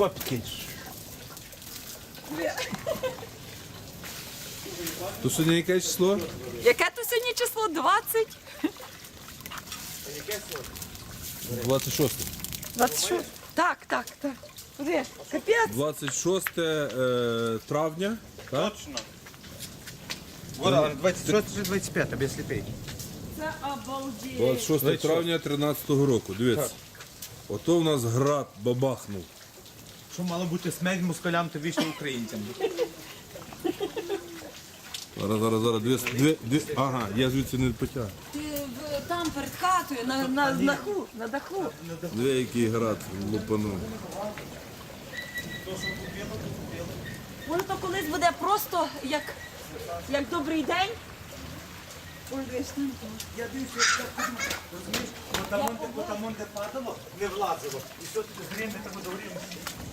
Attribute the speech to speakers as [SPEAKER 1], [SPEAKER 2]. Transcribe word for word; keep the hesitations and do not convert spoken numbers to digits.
[SPEAKER 1] копки.
[SPEAKER 2] То сьогодні яке число?
[SPEAKER 3] Яке то сьогодні число? двадцять?
[SPEAKER 2] двадцять шосте.
[SPEAKER 3] двадцять шість? Так, так, так. Куди? Капець.
[SPEAKER 2] двадцять шосте е, травня. Так?
[SPEAKER 1] Точно. Вот, двадцять шосте двадцять п'яте, без сліпей.
[SPEAKER 3] Це обалдеть.
[SPEAKER 2] двадцять шосте травня тринадцятого року. Дивіться. Ото в нас град бабахнув.
[SPEAKER 1] Що мало бути смерть москалям, то вічно українцям.
[SPEAKER 2] Зараз, зараз, зараз. Дві, дві, дві. Ага, я звідси не потягну.
[SPEAKER 3] Ти в- там перед хатою, на, на, на даху, на даху.
[SPEAKER 2] Дві, який град лупанув.
[SPEAKER 3] Воно то колись буде просто як, як добрий день. Ой, дивись, там.
[SPEAKER 1] Я дивлюся, як так розумієш, там де падало, не влазило. І все, ти з грим, не треба до грим.